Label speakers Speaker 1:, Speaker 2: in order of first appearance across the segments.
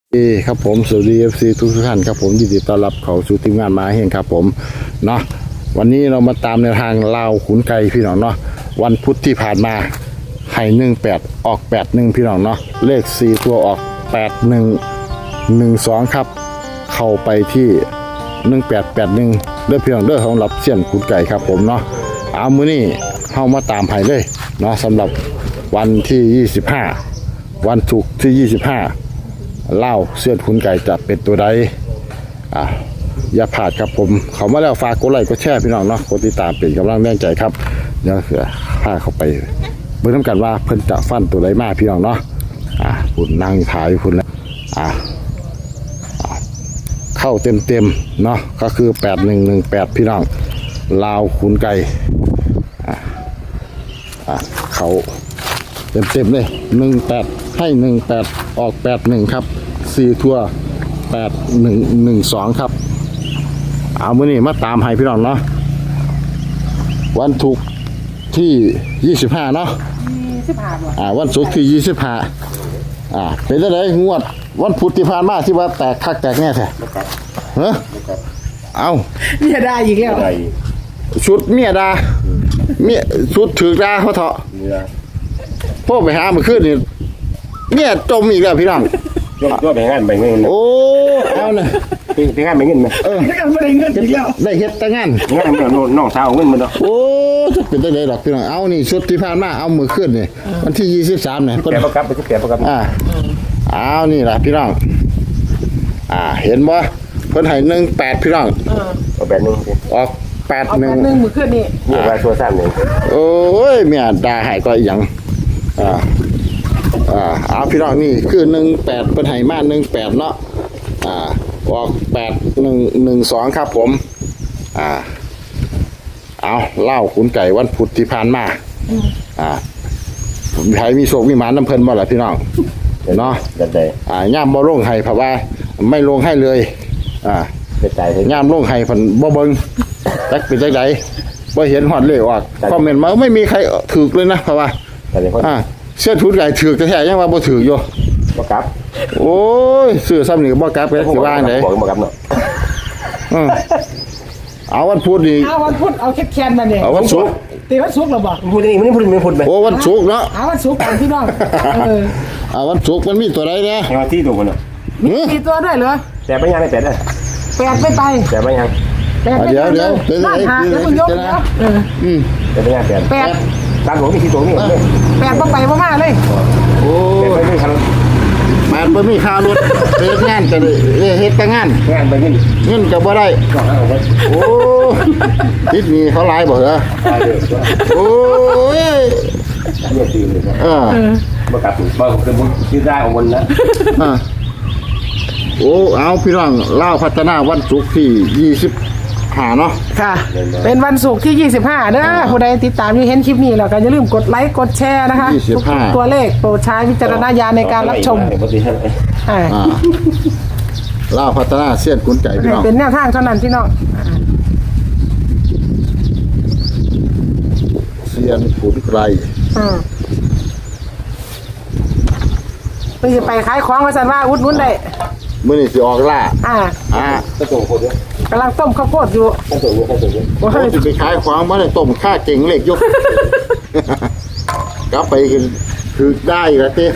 Speaker 1: ครับผมสวัสดี FC ทุกท่านครับผมยินดีต้อนรับเข้าสู่ทีมงานมาเฮงครับผมเนาะวันนี้เรามาตามแนวทางลาวขุนไก่พี่น้องเนาะวันพุธที่ผ่านมาให้18ออก81พี่น้องเนาะเลข4ตัวออก8112ครับเข้าไปที่1881เด้อพี่น้องเด้อของรับเสี้ยนขุนไก่ครับผมเนาะเอามื้อนี้เฮามาตามให้เลยเนาะสำหรับวันที่25วันศุกร์ที่25เล่าเสื้อขุนไก่จะเป็นตัวใดอย่าพลาดครับผมเขามาแล้วฝากกดไลค์กดแชร์พี่น้องเนาะกดติดตามเป็นกำลังแรงใจครับเดี๋ยวเสือพาเข้าไปเบิ่งน้ำกันว่าเพิ่นจะฟันตัวใดมาพี่น้องเนาะคุณนั่งถ่ายคุณแล้วเข้าเต็มเนาะก็คือ8118พี่น้องลาวขุนไก่เขาเต็มเลย18ให้18ออก81ครับ4ทั่ว8112ครับเอามื้อนี้มาตามให้พี่น้องเนาะวันศุกร์ที่25เนาะ25บ่วันศุกร์ที่25เป็นจังได๋งวดวันพุธที่ผ่านมาที่ว่าแตกคักแตกแน่แท้ฮะเอา
Speaker 2: เมียด่าอีกแล้ว
Speaker 1: ชุดเมียด่าเมียชุดถือด่าเขาเถาะพ่อไปหาเมื่อคืนนี่เมียจมอีกแล้วพี่น้อง
Speaker 3: ก็ไปงานไปเงิน
Speaker 1: โอ้เอาเลย
Speaker 3: ไปงานไปเงินไหม
Speaker 2: ไม่ได้เงินอีกแล้ว
Speaker 1: ได้เฮ็ดแต่งาน
Speaker 3: น้องสาวเงินมันเนาะ
Speaker 1: โอ้เป็นได้ดอกพี่น้องเอานี่ชุดที่ผ่านมาเอามือขึ้นนี่วันที่23เนี่ย
Speaker 3: แกประกับไปแกประกับ
Speaker 1: เอานี่ล่ะพี่น้องเห็นบ่เพิ่นให้18พี่น้อง
Speaker 3: เอาแบบนึง
Speaker 1: ออก81
Speaker 2: มือขึ้นนี่
Speaker 3: ว่าตัวสั้นนึง
Speaker 1: โอ้ยเมียด่าให้ก็อีหยังเอาพี่น้องนี่คือ18เพิ่นให้มา18เนาะออก8112ครับผมเอาเล่าขุนไก่วันพุธที่ผ่านมาใครมีโชคมีหมานน้ำเพิ่นบ่ล่ะพี่น้องเนาะย่ามบ่ลงให้เพราะว่าไม่ลงให้เลยย่ามลงให้เพิ่นบ่เบิ่งจักเป็นจังได๋บ่เห็นฮอดเลขออกคอมเมนต์มาไม่มีใครถูกเลยนะเพราะว่าเสื้อทุนไก่ถือแท้ๆยังว่าบ่ถืออยู่
Speaker 3: บ่กลับ
Speaker 1: โอ้ยซื้อซ้ำนี่บ่กลับไปสิว่าจังได๋
Speaker 3: บ่กลับเนาะ
Speaker 1: เอาวันพุธนี่
Speaker 2: เอาวันพุธเอาแค่ๆมาเนี่ย
Speaker 1: เอาวันศุกร์
Speaker 2: ตีวันศุกร์หรอบ่
Speaker 3: พุธนี่มันพุธมั้ย
Speaker 1: โอ้วันศุกร์เนาะ
Speaker 2: เอาวันศุกร์กันพี่น้อง
Speaker 1: วันศุกร์มันมีตัวใดแน่
Speaker 3: เอาที่ตัวบ่เนาะ
Speaker 2: มีตัวด้วยเหรอ
Speaker 3: แต่ไปยังได้8ได้
Speaker 2: 8ไม่ไป
Speaker 3: แต่ไปยัง
Speaker 1: เดี๋ยว
Speaker 2: เป็นไงคุณยกนะ
Speaker 3: แต่ไปยัง8ตามหลวงมีที่ตัวนี่
Speaker 2: 8บ่ไปบ่มาเลย
Speaker 1: โอ้มันบ่มีค่ารถเฮ็ดงานก็เฮ็ดแต่งาน
Speaker 3: ไปเ
Speaker 1: งินก็บ่ได้โอ้ติดหนี้เขาหลายบ่เหรอโอ้ย
Speaker 3: บ่กลับบ่คือบ่คิดได้เอาวนนะ
Speaker 1: โอ้เอาพี่น้องลาวพัฒนาวันศุกร์ที่25เนาะ
Speaker 2: ค่ะเป็นวันศุกร์ที่25เด้อผู้ใดติดตามอยู่เห็นคลิปนี้แล้วก็อย่าลืมกดไลค์กดแชร์นะคะทุกตัวเลขโปรดใช้วิจารณญาณในการรับชม
Speaker 1: ลาวพัฒนาเสี้ยนขุนไก่พี่น้อง
Speaker 2: เป็นแนวทางเท่านั้นพี่น้อง
Speaker 1: เสี้ยนขุนไก่
Speaker 2: ไปขายของว่าซั่นว่าอุดหนุนได้
Speaker 1: มื้อนี้สิออกล่า
Speaker 3: ก็ส่งคนเนี่ย
Speaker 2: กำลังต้มข้าวโพดอยู่
Speaker 1: โอ้ยสิไปขายของบ่ได้ต้มข้าเก่งเล็กยกกลับไปคือได้ละติ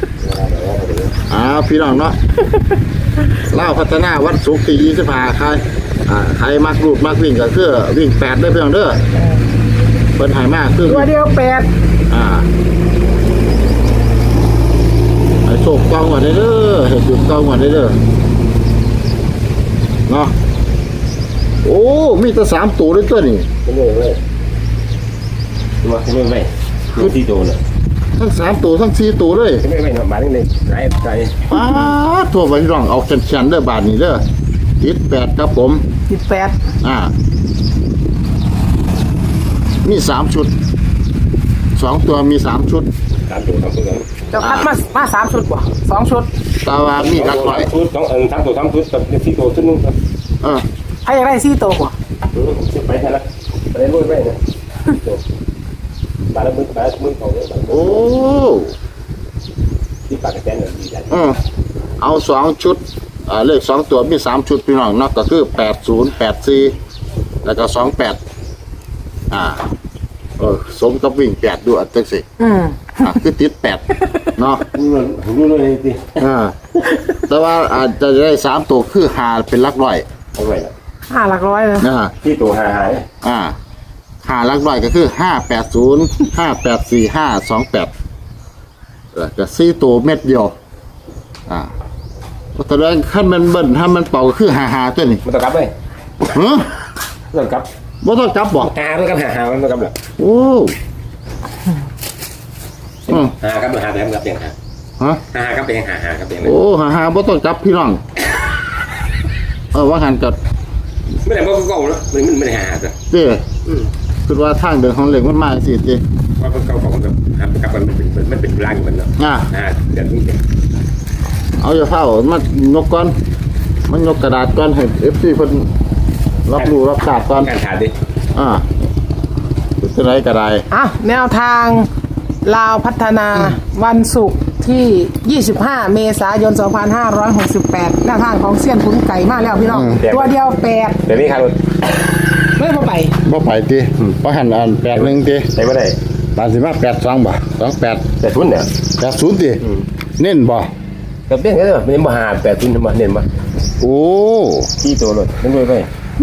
Speaker 1: พี่น้องเนาะลาวพัฒนาวันศุกร์ที่25ใครมักรูดมักวิ่งก็คือวิ่ง8ได้พี่น้องเด้อเพิ่นให้มาคือ
Speaker 2: ตัวเดียว8
Speaker 1: ให้โชคกองว่าได้เด้อให้ถูกกองว่าได้เด้อเนาะโอ้มีแต่3ตัวด้วยตัวนี่
Speaker 3: มาไม่คือ4ตัวน่ะ
Speaker 1: ทั้ง3ตัวทั้ง4ตัวเลย
Speaker 3: ไม่มาเลยไกล
Speaker 1: ทั่วไปพี่น้องเอาแขนๆเด้อบาทนี้เด้อติด8ครับผม
Speaker 2: ติด8
Speaker 1: มี3ชุด2ตัวมี3ชุด
Speaker 3: 3ตัว3ตัว
Speaker 2: เจ้าคัดมา3ชุดบ่2ชุด
Speaker 1: ตาว่ามีกักหน่อย
Speaker 3: ชุด3ตัว3ชุดกับ4ตัวชุดนึง
Speaker 2: ใครอยากได้4ตัวบ่
Speaker 3: ไปให้ละไปลุยไปเนี่ยบาละมือเขาเนี่ย
Speaker 1: โอ้
Speaker 3: ที่ปากกระแจนเนี่ยดีใจ
Speaker 1: เอา2ชุดเลข2ตัวมี3ชุดพี่น้องเนาะก็คือ8084แล้วก็28สมกับวิ่ง8ด้วยจังซี่คือติด8เนาะ
Speaker 3: รู้เลยสิ
Speaker 1: แต่ว่าอาจจะได้3ตัวคือหาเป็นหลักร้อย
Speaker 3: เอาไว้ละ
Speaker 2: 5 หลักร้อยเลย
Speaker 1: นะฮะ
Speaker 3: ที่ตัวหาย
Speaker 1: หาหลักร้อยก็คือ580 584528ก็4ตัวเม็ดเดียวแสดงขั้นมันเบิ่นถ้ามันเป่าก็คือหาตัวนี้
Speaker 3: มันต้องกลับไหม
Speaker 1: ฮะ
Speaker 3: ต้องกลับ
Speaker 1: บ่ต้องจับบ่
Speaker 3: ต้องกลับหามันต้องกลับเหรอ
Speaker 1: โอ้
Speaker 3: หาครับหาแต่มันกลับยังหา
Speaker 1: ฮะ
Speaker 3: หาครับเป็นยังหาครับเป็นยัง
Speaker 1: โอ้หาบ่ต้องจับพี่น้องว่าหันกับ
Speaker 3: ไม่ได้บอกเก่าแล้วมันไม่ได้หาแต่
Speaker 1: เด้คือว่าทางเดินของเหล็กมันมาสิเด้
Speaker 3: ว่าเก่าของแบบหากลับมันเป็นร่างมันเนาะเดี๋ยวนี้
Speaker 1: เอาอย่าเฝ้ามายกก่อนมันยกกระดาษก่อนให้ FC เพิ่นรับรู้รับทราบก่อน
Speaker 3: การขาดดิ
Speaker 1: เป็นไรก็ได้
Speaker 2: แนวทางลาวพัฒนาวันศุกร์ที่ 25 เมษายน 2568 แนวทางของเซียนขุนไก่มาแล้วพี่น้อง ตัวเดียว8
Speaker 3: เดี๋ยวนี้ขาด
Speaker 2: ไม่พอไป
Speaker 1: บ่ไปติบ่หันอัน81ติ
Speaker 3: ใช่ไม่ได้
Speaker 1: ตามสิมา82บ่28
Speaker 3: แต่ทุนเนี่ย
Speaker 1: 80ติเน้นบ่
Speaker 3: กับเบี้ยก็ได้มันมาหาแต่ทุนทำไมเน้นมา
Speaker 1: โอ้
Speaker 3: ที่ตัวรถนั่นด้วยไป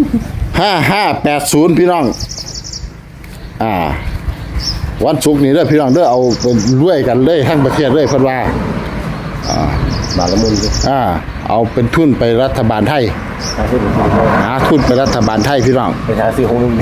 Speaker 1: 5580พี่น้องวันศุกร์นี้เด้อพี่น้องเด้อเอาไปรวยกันเลยทั้งประเทศเลยเพิ่นว่า
Speaker 3: บาละมุนดิ
Speaker 1: เอาเป็นทุนไปรัฐบาลไทย
Speaker 3: หาซื้อ
Speaker 1: หาทุนไปรัฐบาลไทยพี่น้อง
Speaker 3: ไปหาซื้อของลุงดิ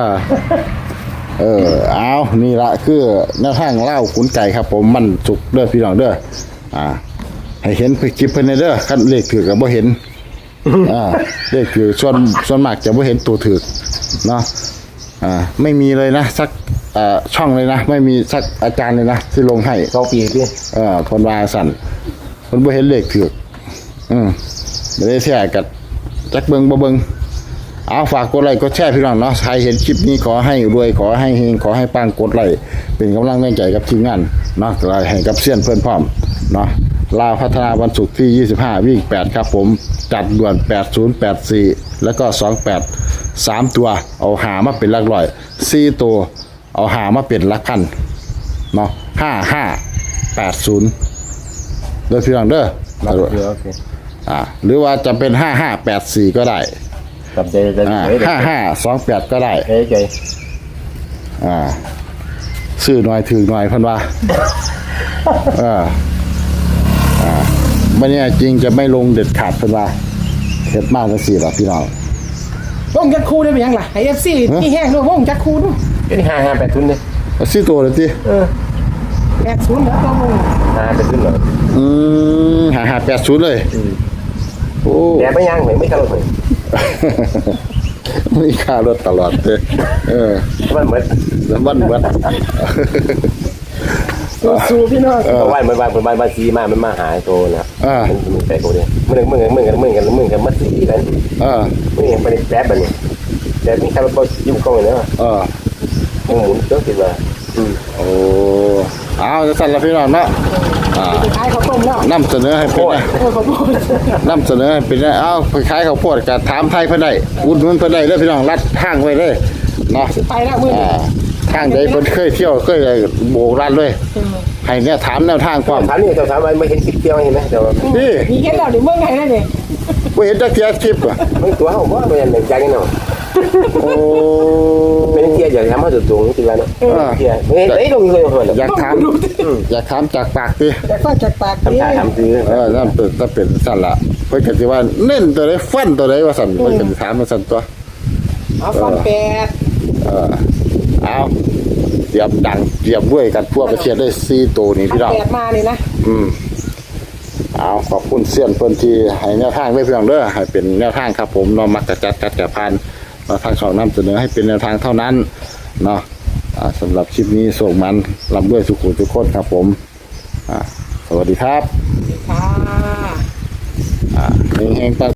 Speaker 1: เอานี่ละคือแนวทางเล่าขุนไก่ครับผมมันสุกเด้อพี่น้องเด้อให้เห็นคลิปเพิ่นเด้อคันเลขถือก็บ่เห็นเลขถือส่วนมากจะบ่เห็นตัวถือเนาะไม่มีเลยนะสักช่องเลยนะไม่มีสักอาจารย์เลยนะที่ลงให้
Speaker 3: 2 ปีดิ
Speaker 1: คนว่าสั่นคนบ่เห็นเลขถือไม่ได้แชร์กับจักเบิงบ่เบิงเอาฝากกดไลค์กดแชร์พี่น้องเนาะใครเห็นคลิปนี้ขอให้รวยขอให้เฮงขอให้ปังกดไลค์เป็นกำลังใจกับทีมงานเนาะให้กับเซียนเพื่อนพร้อมเนาะลาวพัฒนาวันศุกร์ที่25วิ่ง8ครับผมจัดด่วน8084แล้วก็28 3ตัวเอาหามาเป็นหลักร้อย4ตัวเอาหามาเป็นหลักพันเนาะ5580เด้อพี่น้องเด้อ
Speaker 3: โอเค
Speaker 1: หรือว่าจะเป็น5584ก็ได้
Speaker 3: กับใจใจ
Speaker 1: 5528ก็ได้
Speaker 3: ใจ
Speaker 1: ซื้อหน่อยถือหน่อยเพิ่นว่ามันเนี่ยจริงจะไม่ลงเด็ดขาดเพิ่นว่าเฮ็ดมากจังซี่ล่ะพี่น้อง
Speaker 2: วงจักคูได้เป็นยังล่ะไอเอฟซีนี่แห้งด้วยวงจักคูด้วย
Speaker 3: เป็น5 8ทุนเนี่ย
Speaker 1: เอาซื้อตัวเลยติ
Speaker 2: 80แล้วตัววง
Speaker 3: 5 8ทุนเหรอ
Speaker 1: 5580เลยโอ้
Speaker 3: แต่ไม่ยังไม่กันเลย
Speaker 1: มีค่ารถตลอดเด้
Speaker 3: มันเหมือน
Speaker 1: แล้วมันเบิด
Speaker 2: สู้พี่น้อง
Speaker 3: วันซีมันมาหาโตนะมันแปลกตัวเนี่ยมึงกันมาซีกันมึงเห็นไปแป๊บแบบนี้แต่นี่ใครมาบอกยิ้มกล้องเลยนะมึงหมุนเจ้าสิว่า
Speaker 1: โอ้เอาจะสั่นละพี่น้องเนาะ
Speaker 2: ขายข้าวต้มแล้ว
Speaker 1: นำเสนอให้เป็นนะ
Speaker 2: ขอโทษ
Speaker 1: นำเสนอให้เป็นนะเอาไปขายข้าวโพดกับถามไทยเพิ่นได้อุดหนุนเพิ่นได้เด้อพี่น้องรัดทางไว้เลยเนาะ
Speaker 2: ไปแล้วมื้อนี้
Speaker 1: ทางใดเพิ่นเคยเที่ยวเคยโบกรัดเลยให้เนี่ยถามแนวทางความ
Speaker 3: ถามนี่ถามไม่เห็นคลิปเที่ยวเห็นไหมเดี๋ยว
Speaker 1: นี่
Speaker 2: มีเห็นแล้วนี่เมืองไทยนั่นนี่
Speaker 1: บ่เห็นจักเที่ยคลิปอ่ะ
Speaker 3: มึงตัวเขาว่าเป็นอย่างจังเนาะ
Speaker 1: โอ้
Speaker 3: เป็นเที่ยวอย่างทำให้สุดสูงจริงแล้วเนาะเที่ยวไม่เห็นลงเลยเหรอ
Speaker 1: อยากถามจากปากติ
Speaker 2: แต่ก็จากปาก
Speaker 3: ทำท่าทำซื้อ
Speaker 1: นั่นเป็นสั่นละเพิ่นก็สิว่าเน้นตัวใดฟันตัวใดว่าสั่นเพิ่นก็สิถามมาสั่นตัว
Speaker 2: เอาฟันแปด
Speaker 1: เอาเตรียมดังเตรียมด้วยกันทั่วประเทศได้4ตัวนี้พี่น้อง
Speaker 2: แปดมานี่นะ
Speaker 1: เอาขอบคุณเซียนเพิ่นที่ให้แนวทางไว้เพียงเด้อให้เป็นแนวทางครับผมเนาะมักจะจัดกะพันมาทางเขานำเสนอให้เป็นแนวทางเท่านั้นเนาะสำหรับคลิปนี้ส่งมันลำด้วยสุขุทุกคนครับผมสวัสดีครับ
Speaker 2: ค่ะ
Speaker 1: เฮงๆ